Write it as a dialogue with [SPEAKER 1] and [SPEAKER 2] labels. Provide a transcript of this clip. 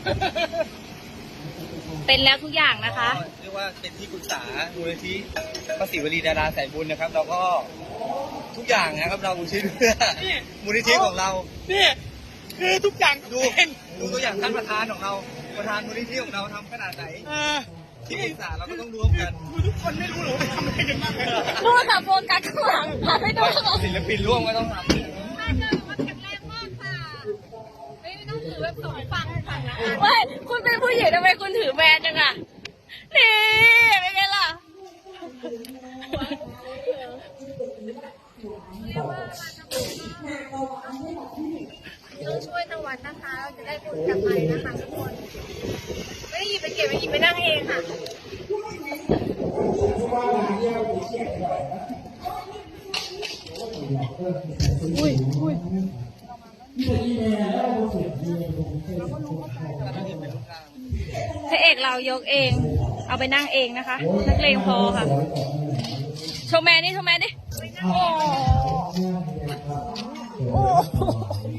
[SPEAKER 1] เป็นแล้วทุกอย่างนะคะ
[SPEAKER 2] เรียกว่าเป็นที่ปรึกษามูลนิธิพระศิวลีดาราสายบุญนะครับเราก็ทุกอย่างนะครับเราอุทิศเพื่อมูลนิธิของเรา
[SPEAKER 3] นี่คือทุกอย่าง
[SPEAKER 2] ดูตัวอย่างท่านประธานของเราประธานมูลนิธิของเราทำขนาดไหนที่ปรึกษาเราก็ต้องร่วมกัน
[SPEAKER 3] ทุกคนไม่รู้หรอกว่าทำอะไรกันบ้างเลย
[SPEAKER 1] ดูค่ะโฟกัสข้างหลังค่ะไม่ต้องข้างหลัง
[SPEAKER 2] ศิลปินร่วมก็ต้องทำ
[SPEAKER 1] ไม่คุณเป็นผู้หญิงทำไมคุณถือแบรนด์จังอะนี่เป็นไงล่ะ
[SPEAKER 4] ต้องช่วยทางวัดนะคะ เราจะได้บุญกลับไปนะคะทุกคน ไม่ได้หยิบไปเก็บไปหยิบไปนั่งเองค่ะ
[SPEAKER 1] พระเอกเรายกเอง เอาไปนั่งเองนะคะ นักเลงพอค่ะ โชว์แมนนี่โชว์แมนนี่โอ้โห